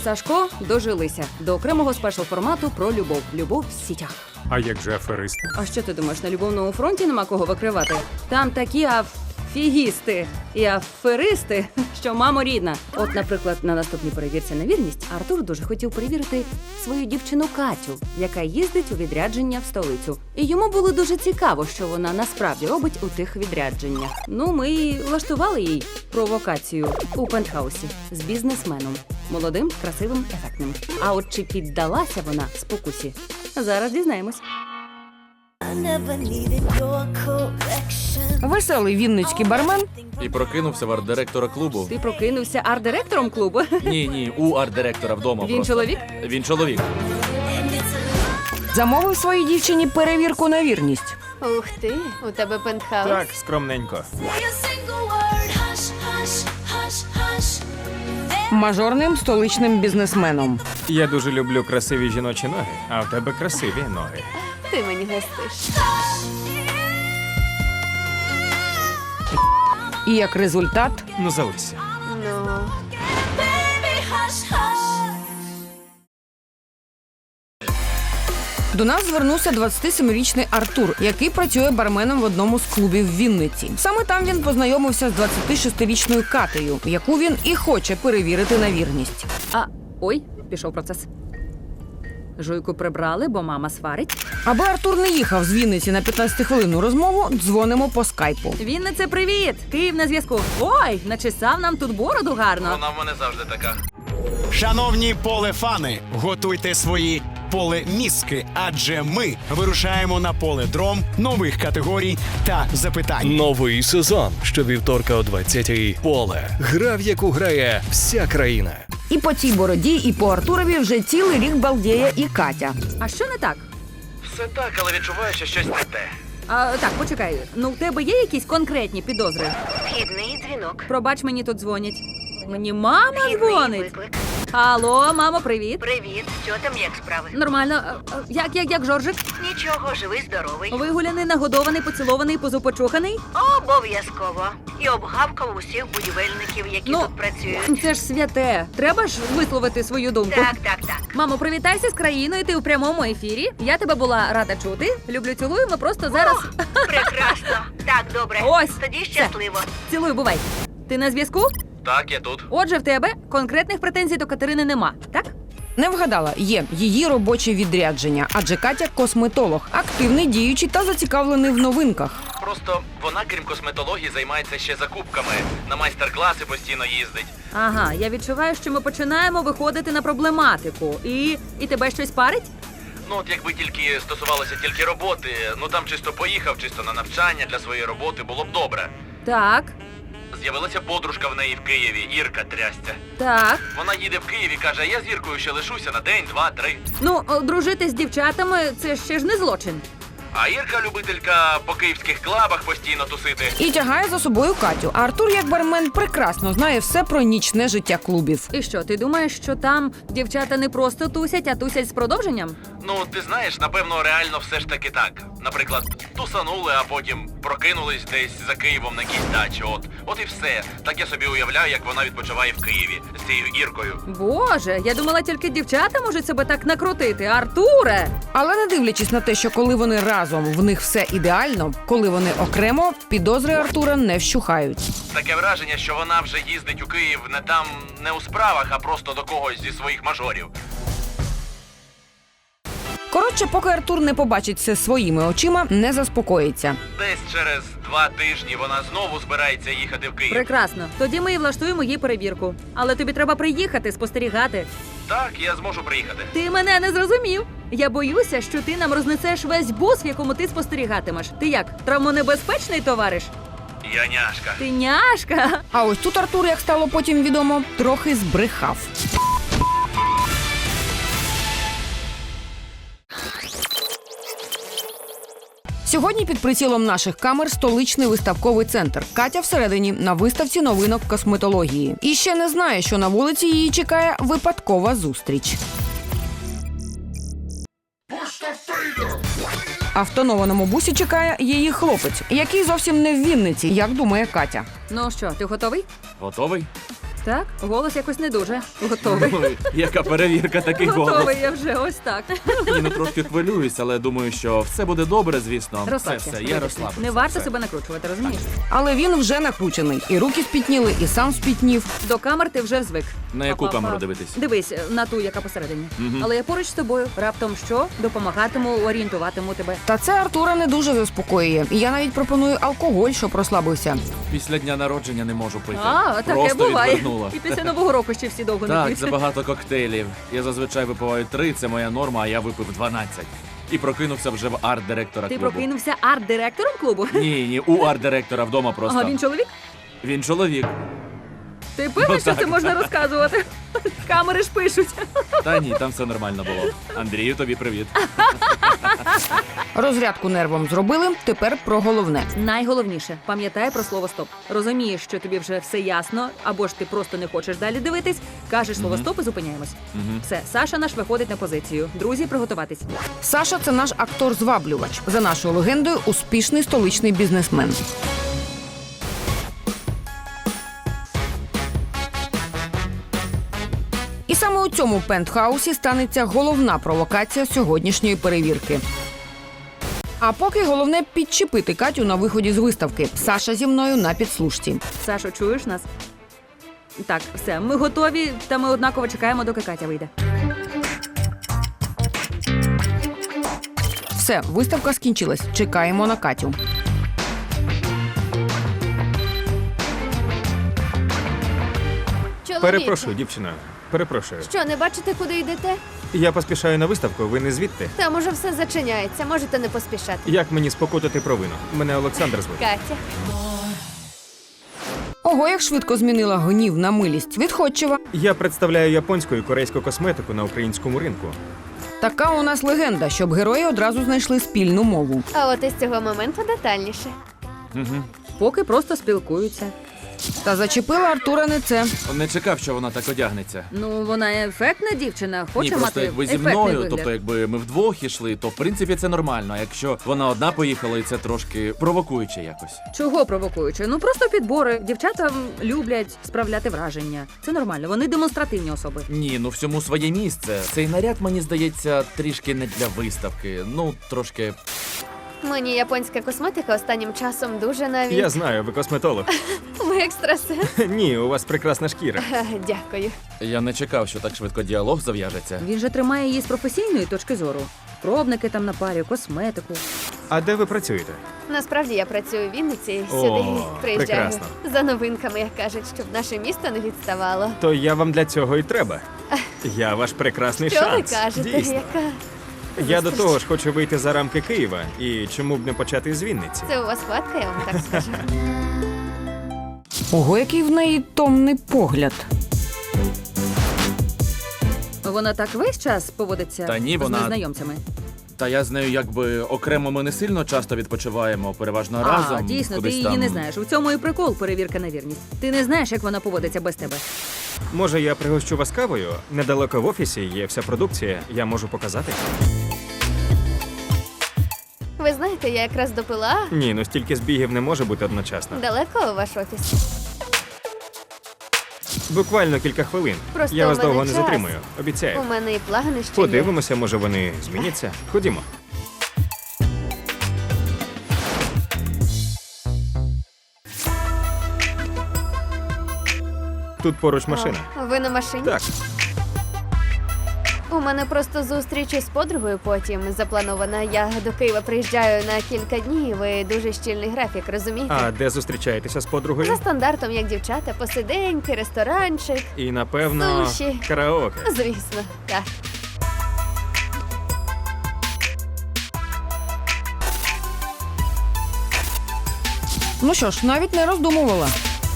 Сашко дожилися до окремого спешл-формату про любов. Любов в сітях. А як же аферисти? А що ти думаєш, на любовному фронті нема кого викривати? Там такі афігісти і аферисти, що мамо рідна. От, наприклад, на наступній перевірці на вірність Артур дуже хотів перевірити свою дівчину Катю, яка їздить у відрядження в столицю. І йому було дуже цікаво, що вона насправді робить у тих відрядженнях. Ну, ми і влаштували їй провокацію у пентхаусі з бізнесменом. Молодим, красивим, ефектним. А от чи піддалася вона спокусі? Зараз дізнаємось. Веселий вінницький бармен І прокинувся в арт-директора клубу. Ти прокинувся арт-директором клубу? Ні, у арт-директора вдома. Він просто. чоловік? Він чоловік. замовив своїй дівчині перевірку на вірність. Ух ти, у тебе пентхаус. Так, скромненько. Мажорним столичним бізнесменом. Я дуже люблю красиві жіночі ноги, а в тебе красиві ноги. Ти мені гостиш. І як результат Ну, залишся. Ну, до нас звернувся 27-річний Артур, який працює барменом в одному з клубів в Вінниці. Саме там він познайомився з 26-річною Катею, яку він і хоче перевірити на вірність. Ой, пішов процес. Жуйку прибрали, бо мама сварить. Аби Артур не їхав з Вінниці на 15-хвилинну розмову, дзвонимо по скайпу. Віннице, привіт! Київ на зв'язку. Ой, начесав нам тут бороду гарно. Вона в мене завжди така. Шановні полефани, готуйте свої полеміски, адже ми вирушаємо на поледром нових категорій та запитань. Новий сезон щовівторка о 20-й. Поле. Гра, в яку грає вся країна. І по цій бороді, і по Артурові вже цілий рік балдіє і Катя. А що не так? Все так, але відчуваю, що щось не те. Так, почекай. Ну, в тебе є якісь конкретні підозри? Вхідний дзвінок. Пробач, мені тут дзвонять. Мені мама Вхідний дзвонить. виклик. Алло, мамо, привіт. Привіт, що там, як справи? Нормально. Як Жоржик? Нічого, живий, здоровий. Вигуляний, нагодований, поцілований, позупочуханий? Обов'язково. І обгавкав усіх будівельників, які Ну, тут працюють. Це ж святе. Треба ж висловити свою думку. Так. Мамо, привітайся з країною, ти у прямому ефірі. Я тебе була рада чути. Люблю, цілую, ми просто зараз... Прекрасно. Так, добре. Ось, Тоді все. щасливо. Цілую, бувай. Ти на зв'язку? Так, я тут. Отже, в тебе конкретних претензій до Катерини нема, так? Не вгадала, є її робоче відрядження, адже Катя – косметолог, активний, діючий та зацікавлений в новинках. Просто вона, крім косметології, займається ще закупками. На майстер-класи постійно їздить. Ага, я відчуваю, що ми починаємо виходити на проблематику. І тебе щось парить? Ну, от якби тільки стосувалося тільки роботи, ну там чисто поїхав, чисто на навчання для своєї роботи, було б добре. Так, З'явилася подружка в неї в Києві, Ірка трястя. так. Вона їде в Київ і каже, а я з Іркою ще лишуся на день, два, три. Ну, дружити з дівчатами – це ще ж не злочин. А Ірка любителька по київських клабах постійно тусити. І тягає за собою Катю. А Артур, як бармен, прекрасно знає все про нічне життя клубів. І що, ти думаєш, що там дівчата не просто тусять, а тусять з продовженням? Ну, ти знаєш, напевно, реально все ж таки так. Наприклад, тусанули, а потім прокинулись десь за Києвом на якійсь дачі. От і все. Так я собі уявляю, як вона відпочиває в Києві з цією Іркою. Боже, я думала, тільки дівчата можуть себе так накрутити. Артуре! Але не дивлячись на те, що коли вони разом, в них все ідеально, коли вони окремо, підозри Артура не вщухають. Таке враження, що вона вже їздить у Київ не у справах, а просто до когось зі своїх мажорів. Коротше, поки Артур не побачить все своїми очима, не заспокоїться. Десь через 2 тижні вона знову збирається їхати в Київ. Прекрасно. Тоді ми і влаштуємо їй перевірку. Але тобі треба приїхати, спостерігати. Так, я зможу приїхати. Ти мене не зрозумів. Я боюся, що ти нам рознесеш весь бус, в якому ти спостерігатимеш. Ти як, травмонебезпечний товариш? Я няшка. Ти няшка. А ось тут Артур, як стало потім відомо, трохи збрехав. Сьогодні під прицілом наших камер столичний виставковий центр. Катя всередині на виставці новинок косметології. І ще не знає, що на вулиці її чекає випадкова зустріч. А в тонованому бусі чекає її хлопець, який зовсім не в Вінниці, як думає Катя. Ну що, ти готовий? Готовий? Так, голос якось не дуже. Готовий. Ой, яка перевірка, такий голос. Готовий я вже, ось так. Ні, ну трошки хвилююсь, але думаю, що все буде добре, звісно. Розслабся. Все, я розслабився. Не варто Все. себе накручувати, розумієш? Але він вже накручений. І руки спітніли, і сам спітнів. До камер ти вже звик. На яку Па-па-па. камеру дивитись? Дивись, на ту, яка посередині. Але я поруч з тобою. Раптом що? Допомагатиму, орієнтуватиму тебе. Та це Артура не дуже заспокоює. І я навіть пропоную алкоголь, щоб розслабився. Після дня народження не можу пити. Таке Просто буває. відвернуло. І після Нового року ще всі довго не Так, п'ють. забагато коктейлів. Я зазвичай випиваю 3, це моя норма, а я випив 12. І прокинувся вже в арт-директора Ти клубу. прокинувся арт-директором клубу? Ні, у арт-директора вдома просто. Ага, він чоловік? Він чоловік. Ти певний, що так, це можна розказувати? Камери ж пишуть. Та ні, там все нормально було. Андрію, тобі привіт. Розрядку нервом зробили, тепер про головне. Найголовніше, пам'ятай про слово стоп. Розумієш, що тобі вже все ясно, або ж ти просто не хочеш далі дивитись, кажеш слово стоп і зупиняємось. Все, Саша наш виходить на позицію. Друзі, приготуватись. Саша – це наш актор-зваблювач. За нашою легендою, успішний столичний бізнесмен. І саме у цьому пентхаусі станеться головна провокація сьогоднішньої перевірки. А поки головне підчепити Катю на виході з виставки. Саша зі мною на підслушці. Сашо, чуєш нас? Так, все, ми готові, та ми однаково чекаємо, доки Катя вийде. Все, виставка скінчилась. Чекаємо на Катю. Чоловіче, Перепрошую, дівчина. Перепрошую. що, не бачите, куди йдете? Я поспішаю на виставку, ви не звідти. Там уже все зачиняється, можете не поспішати. Як мені спокутати провину? Мене Олександр звуть. Катя. Ого, як швидко змінила гнів на милість. Відходчива. Я представляю японську і корейську косметику на українському ринку. Така у нас легенда, щоб герої одразу знайшли спільну мову. А от із цього моменту детальніше. Поки просто спілкуються. Та зачепила Артура не це. Не чекав, що вона так одягнеться. Ну, вона ефектна дівчина, хоче Ні, просто мати якби зі ефектний мною, вигляд. тобто якби ми вдвох ішли, то в принципі це нормально. А якщо вона одна поїхала, і це трошки провокуюче якось. Чого провокуючи? Ну просто підбори. Дівчата люблять справляти враження. Це нормально. Вони демонстративні особи. Ні, ну всьому своє місце. Цей наряд, мені здається, трішки не для виставки. Ну, трошки. Мені японська косметика останнім часом дуже навіть... Я знаю, ви косметолог. Ви екстрасенс. Ні, у вас прекрасна шкіра. Дякую. Я не чекав, що так швидко діалог зав'яжеться. Він же тримає її з професійної точки зору. Пробники там на парі, косметику. А де ви працюєте? Насправді я працюю в Вінниці, О, сюди приїжджаю прекрасно. за новинками, як кажуть, щоб наше місто не відставало. То я вам для цього і треба. Я ваш прекрасний Що ви шанс. кажете? Дійсно. Яка? Я до того ж хочу вийти за рамки Києва. І чому б не почати з Вінниці? Це у вас хватка, я вам так скажу. Ого, який в неї томний погляд. Вона так весь час поводиться Та ні, з вона- незнайомцями. Та я з нею якби окремо ми не сильно часто відпочиваємо, переважно разом. А, дійсно, ти кудись її там. не знаєш. У цьому і прикол перевірка на вірність. Ти не знаєш, як вона поводиться без тебе. Може, я пригощу вас кавою? Недалеко в офісі є вся продукція, я можу показати. Ви знаєте, я якраз допила. Ні, ну стільки збігів не може бути одночасно. Далеко ваш офіс? Буквально кілька хвилин. Просто Я у вас мене довго не час. затримую. Обіцяю. У мене і плани ще є. Подивимося, може вони зміняться. Ходімо. Тут поруч машина. О, ви на машині? Так, У мене просто зустріч із подругою потім запланована. Я до Києва приїжджаю на кілька днів. Ви дуже щільний графік, розумієте? а де зустрічаєтеся з За подругою? стандартом, як дівчата, посиденьки, ресторанчик. І напевно Суші. караоке. Звісно, так. Ну що ж, навіть не роздумувала.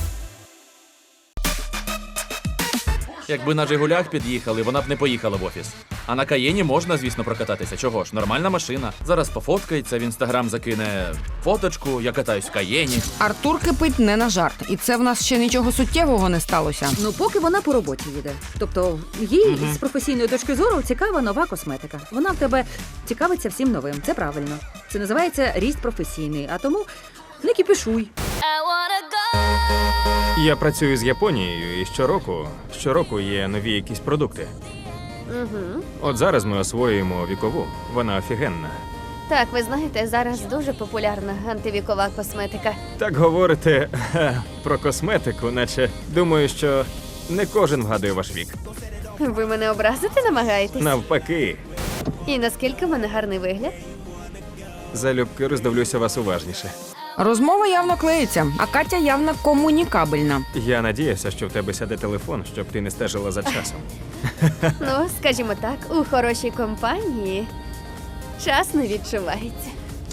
Якби на Жигулях під'їхали, вона б не поїхала в офіс. А на Каєні можна, звісно, прокататися. Чого ж? Нормальна машина. Зараз пофоткається, в інстаграм закине фоточку, я катаюсь в Каєні. Артур кипить не на жарт. І це в нас ще нічого суттєвого не сталося. Ну, поки вона по роботі їде. Тобто, їй з професійної точки зору цікава нова косметика. Вона в тебе цікавиться всім новим. Це правильно. Це називається ріст професійний. А тому не кіпішуй. I wanna go Я працюю з Японією, і щороку є нові якісь продукти. Угу. От зараз ми освоюємо вікову. Вона офігенна. Так, ви знаєте, зараз дуже популярна антивікова косметика. Так говорите про косметику, наче думаю, що не кожен вгадує ваш вік. Ви мене образити намагаєтесь? Навпаки, І наскільки в мене гарний вигляд? залюбки роздивлюся вас уважніше. Розмова явно клеїться, а Катя явно комунікабельна. Я надіявся, що в тебе сяде телефон, щоб ти не стежила за часом. Ну, скажімо так, у хорошій компанії час не відчувається.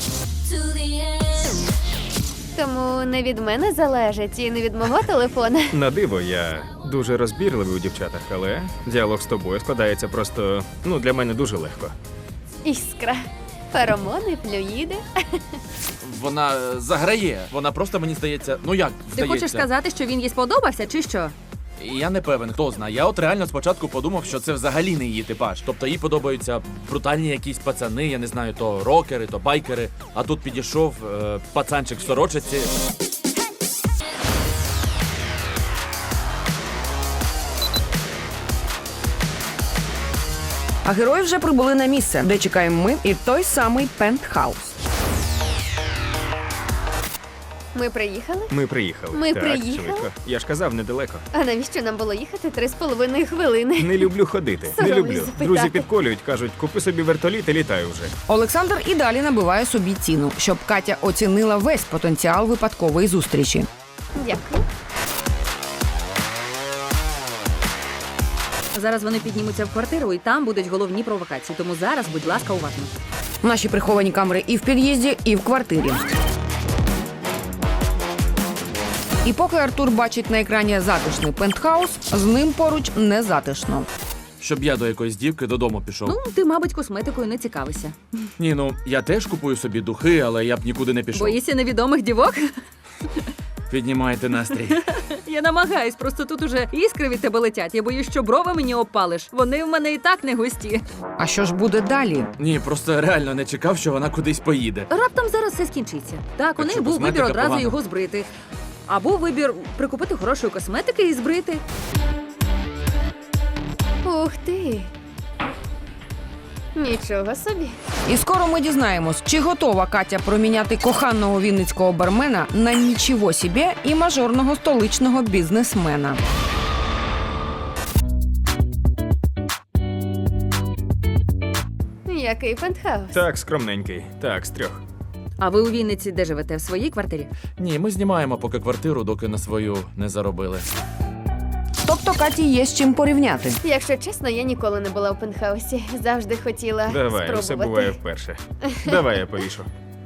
Тому не від мене залежить і не від мого телефона. На диво, я дуже розбірливий у дівчатах, але діалог з тобою складається просто, для мене дуже легко. Іскра. Феромони, флюїди. Вона заграє. Вона просто, мені здається, як Ти здається. хочеш сказати, що він їй сподобався, чи що? Я не певен, хто знає. Я от реально спочатку подумав, що це взагалі не її типаж. Тобто їй подобаються брутальні якісь пацани, я не знаю, то рокери, то байкери. А тут підійшов пацанчик в сорочиці. А герої вже прибули на місце, де чекаємо ми і той самий пентхаус. Ми приїхали? Ми приїхали. Ми так, приїхали? швидко. Я ж казав, недалеко. А навіщо нам було їхати 3,5 хвилини? Не люблю ходити. Не Соромлюсь люблю. запитати. Друзі підколюють, кажуть, купи собі вертоліт і літай вже. Олександр і далі набиває собі ціну, щоб Катя оцінила весь потенціал випадкової зустрічі. Дякую. Зараз вони піднімуться в квартиру, і там будуть головні провокації. Тому зараз, будь ласка, уважно. Наші приховані камери і в під'їзді, і в квартирі. І поки Артур бачить на екрані затишний пентхаус, з ним поруч не затишно. Щоб я до якоїсь дівки додому пішов. Ти, мабуть, косметикою не цікавишся. Ні, я теж купую собі духи, але я б нікуди не пішов. Боїшся невідомих дівок? Піднімайте настрій. Я намагаюсь, просто тут уже іскри від тебе летять. Я боюсь, що брови мені опалиш. Вони в мене і так не густі. А що ж буде далі? Ні, просто реально не чекав, що вона кудись поїде. Раптом зараз все скінчиться. Так, у Так них що, був косметика вибір одразу погана? його збрити. Або вибір прикупити хорошої косметики і збрити. Ух ти. Нічого собі. І скоро ми дізнаємось, чи готова Катя проміняти коханого вінницького бармена на нічого собі і мажорного столичного бізнесмена. Який пентхаус? Так, скромненький. Так, з 3. А ви у Вінниці де живете? В своїй квартирі? Ні, ми знімаємо поки квартиру, доки на свою не заробили. Тобто Каті є з чим порівняти. Якщо чесно, я ніколи не була у пентхаусі. Завжди хотіла Давай, спробувати. все буває вперше. Давай я повішу.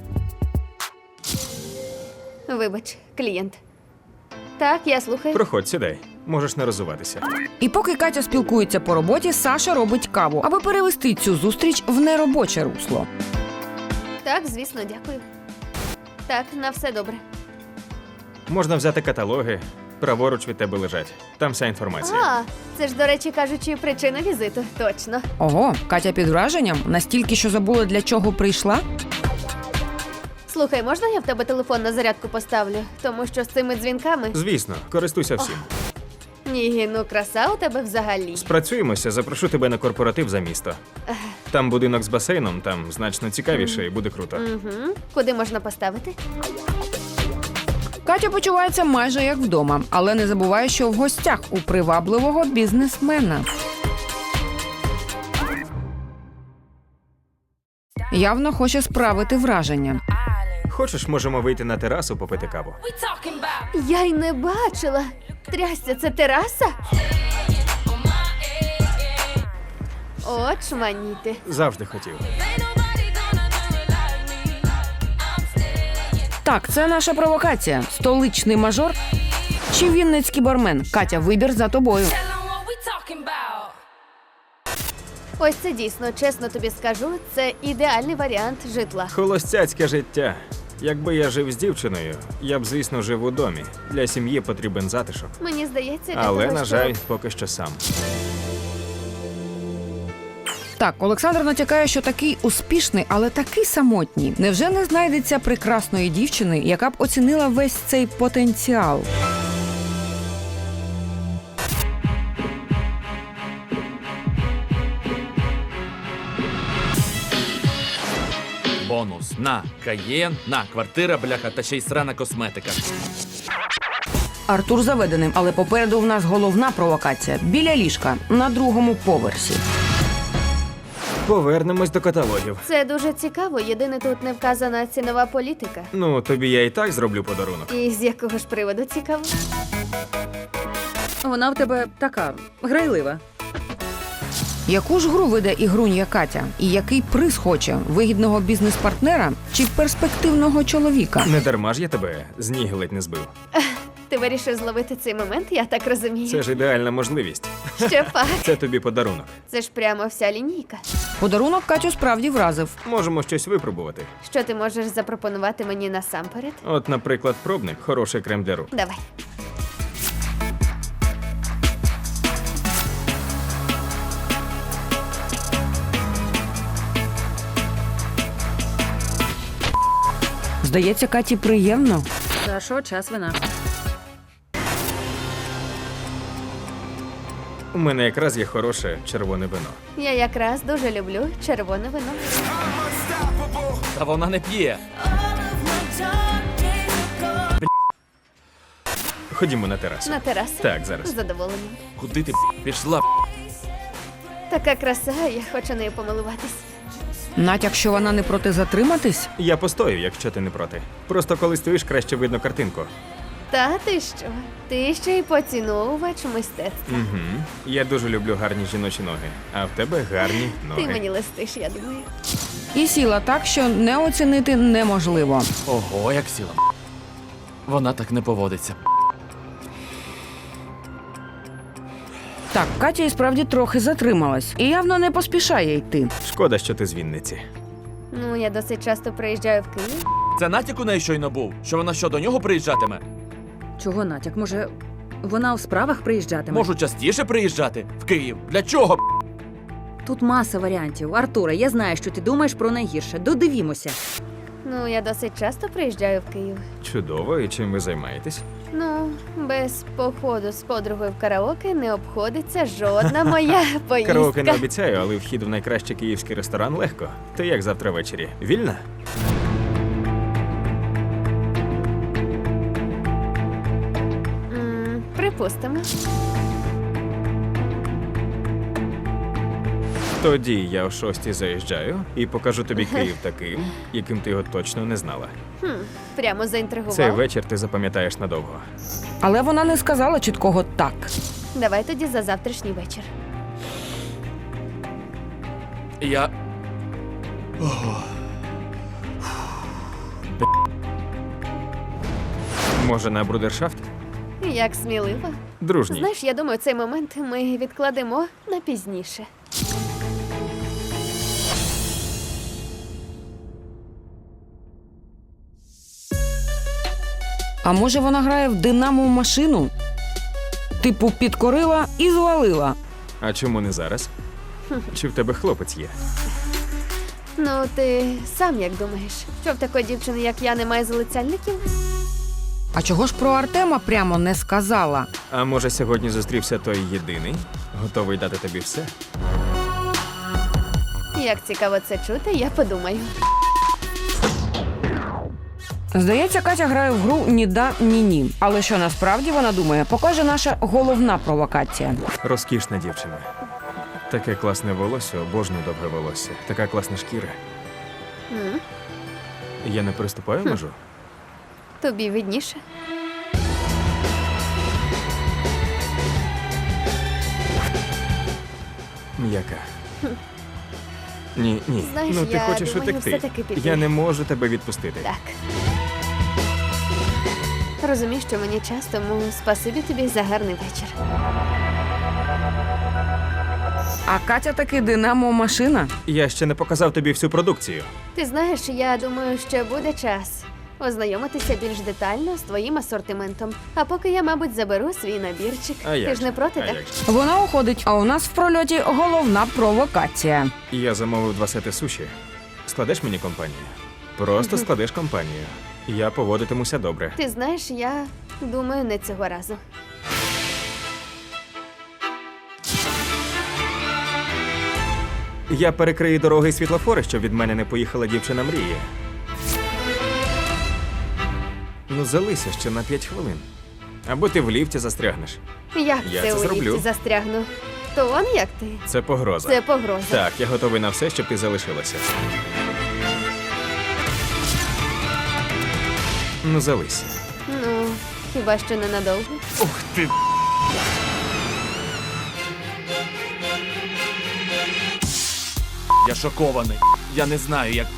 Вибач, клієнт. Так, я слухаю. Проходь, сідай. Можеш не розуватися. І поки Катя спілкується по роботі, Саша робить каву, аби перевести цю зустріч в неробоче русло. Так, звісно, дякую. Так, на все добре. Можна взяти каталоги. Праворуч від тебе лежать. Там вся інформація. А, це ж, до речі, кажучи, причина візиту. Точно. Ого, Катя під враженням? Настільки, що забула, для чого прийшла? Слухай, можна я в тебе телефон на зарядку поставлю? Тому що з цими дзвінками... Звісно, користуйся всім. Ні, ну краса у тебе взагалі. Спрацюємося, запрошу тебе на корпоратив за місто. Там будинок з басейном, там значно цікавіше і буде круто. Угу. Куди можна поставити? Катя почувається майже як вдома, але не забуває, що в гостях у привабливого бізнесмена. Явно хоче справити враження. Хочеш, можемо вийти на терасу попити каву? Я й не бачила. Трясся, це тераса? От шманіти. Завжди хотів. Так, це наша провокація. Столичний мажор чи вінницький бармен? Катя, вибір за тобою. Ось це дійсно, чесно тобі скажу, це ідеальний варіант житла. Холостяцьке життя. Якби я жив з дівчиною, я б, звісно, жив у домі. Для сім'ї потрібен затишок. Мені здається, для Але, того, на жаль, поки що сам. Так, Олександр натякає, що такий успішний, але такий самотній. Невже не знайдеться прекрасної дівчини, яка б оцінила весь цей потенціал? Бонус. На Каєн, на квартира, бляха, та ще й срана косметика. Артур заведеним, але попереду в нас головна провокація. Біля ліжка, на другому поверсі. Повернемось до каталогів. Це дуже цікаво. Єдине тут не вказана цінова політика. Ну, тобі я і так зроблю подарунок. І з якого ж приводу цікаво? Вона в тебе така грайлива. Яку ж гру веде ігрунья Катя? І який приз хоче? Вигідного бізнес-партнера чи перспективного чоловіка? Не дарма ж я тебе з ніг ледь не збив. Ти вирішив зловити цей момент, я так розумію. Це ж ідеальна можливість. Ще пак. Це тобі подарунок. Це ж прямо вся лінійка. Подарунок Катю справді вразив. Можемо щось випробувати. Що ти можеш запропонувати мені насамперед? От, наприклад, пробник, хороший крем для рук. Давай. Здається, Каті приємно. Сашо, час вина. У мене якраз є хороше червоне вино. Я якраз дуже люблю червоне вино. Та вона не п'є. Ходімо на терасу. На терасу? Так, зараз. З задоволенням. Куди ти пішла? Така краса, я хочу нею помилуватись. Натяк, що вона не проти затриматись? Я постою, якщо ти не проти. Просто коли стоїш, краще видно картинку. Та ти що? Ти ще й поціновувач мистецтва. Угу. Я дуже люблю гарні жіночі ноги, а в тебе гарні ноги. Ти мені листиш, я думаю. І сіла так, що не оцінити неможливо. Ого, як сіла. Вона так не поводиться. Так, Катя і справді трохи затрималась. І явно не поспішає йти. Шкода, що ти з Вінниці. Ну, я досить часто приїжджаю в Київ. Це натяк у неї щойно був? Що вона що, до нього приїжджатиме? Чого натяк? Може, вона у справах приїжджатиме? Можу частіше приїжджати в Київ. Для чого? Тут маса варіантів. Артуре, я знаю, що ти думаєш про найгірше. Додивімося. Ну, я досить часто приїжджаю в Київ. Чудово, і чим ви займаєтесь? Ну, без походу з подругою в караоке не обходиться жодна моя поїздка. Караоке не обіцяю, але вхід в найкращий київський ресторан легко. Ти як завтра ввечері? Вільна? Припустимо. Тоді я о 6 заїжджаю і покажу тобі Київ таким, яким ти його точно не знала. Прямо заінтригував. Цей вечір ти запам'ятаєш надовго. Але вона не сказала чіткого «так». Давай тоді за завтрашній вечір. Я. Може, на брудершафт? Як сміливо. Дружній. Знаєш, я думаю, цей момент ми відкладемо на пізніше. А може вона грає в «Динамо» машину? Типу підкорила і звалила. А чому не зараз? Чи в тебе хлопець є? Ну, ти сам як думаєш, що в такої дівчини, як я, немає залицяльників? А чого ж про Артема прямо не сказала? А може, сьогодні зустрівся той єдиний, готовий дати тобі все? Як цікаво це чути, я подумаю. Здається, Катя грає в гру «Ні да, ні ні». Але що насправді вона думає, покаже наша головна провокація. Розкішна дівчина. Таке класне волосся, обожнюю довге волосся. Така класна шкіра. М? Я не переступаю межу? Тобі видніше. М'яка. Ні, ні. Знаєш, Ну ти я хочеш думаю, утекти. все-таки піти. Я не можу тебе відпустити. Так. Розумієш, що мені час, тому спасибі тобі за гарний вечір. А Катя таки «Динамо» машина. Я ще не показав тобі всю продукцію. Ти знаєш, я думаю, що буде час. ознайомитися більш детально з твоїм асортиментом. А поки я, мабуть, заберу свій набірчик. А як Ти ж не же? проти, А так? як же? Вона уходить, а у нас в прольоті головна провокація. Я замовив 2 сети суші. Складеш мені компанію? Просто складеш компанію. Я поводитимуся добре. Ти знаєш, я думаю, не цього разу. Я перекрию дороги і світлофори, щоб від мене не поїхала дівчина мрії. Ну, залися ще на 5 хвилин. Або ти в ліфті застрягнеш. Як Я це це у зроблю. ліфті застрягну? То он як ти? Це погроза. Це погроза. Так, я готовий на все, щоб ти залишилася. Ну, залися. Ну, хіба що ненадовго? Ух ти! Я шокований. Я не знаю, як.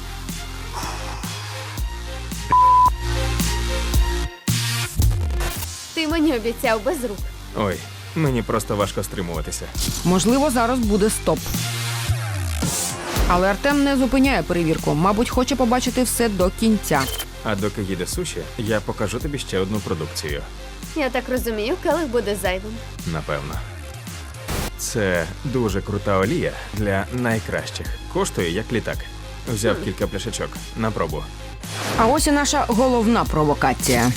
Ти мені обіцяв без рук. Ой, мені просто важко стримуватися. Можливо, зараз буде стоп. Але Артем не зупиняє перевірку. Мабуть, хоче побачити все до кінця. А доки їде суші, я покажу тобі ще одну продукцію. Я так розумію, келих буде зайвим. Напевно. Це дуже крута олія для найкращих. Коштує як літак. Взяв кілька пляшечок на пробу. А ось і наша головна провокація.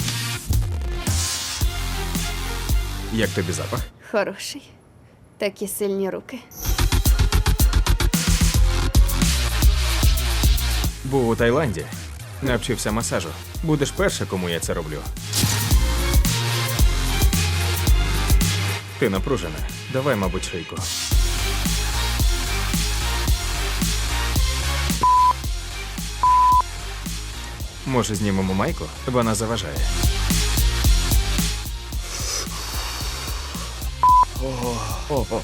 Як тобі запах? Хороший. Такі сильні руки. Був у Таїланді. Навчився масажу. Будеш перша, кому я це роблю. Ти напружена. Давай, мабуть, шийку. Може, знімемо майку? Вона заважає. О.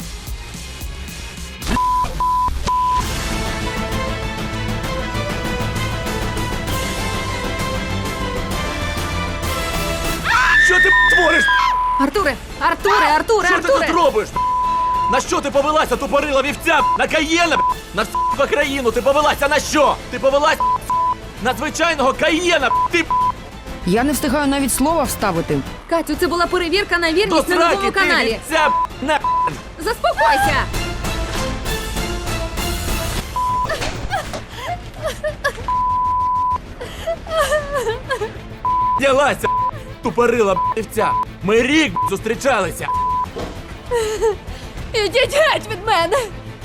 Що ти твориш? Артуре! Артуре! Артуре! Що ти Артуре! тут робиш? На що ти повелася, тупорила вівця? На Каєна? На всю країну ти повелася на що? Ти повелась на звичайного Каєна? Ти Я не встигаю навіть слова вставити. Катю, це була перевірка на до вірність на сраки, новому ти каналі. вівця на Заспокойся! ділася, тупорила вівця. Ми рік зустрічалися. Ідіть геть від мене!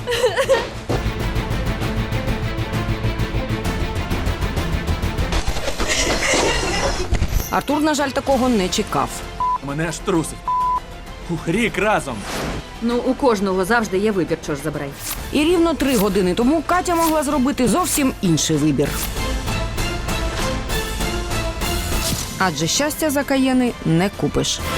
Артур, на жаль, такого не чекав. Мене аж трусить. Рік разом. Ну, у кожного завжди є вибір, що ж забирай. І рівно 3 години тому Катя могла зробити зовсім інший вибір. Адже щастя за Каєни не купиш.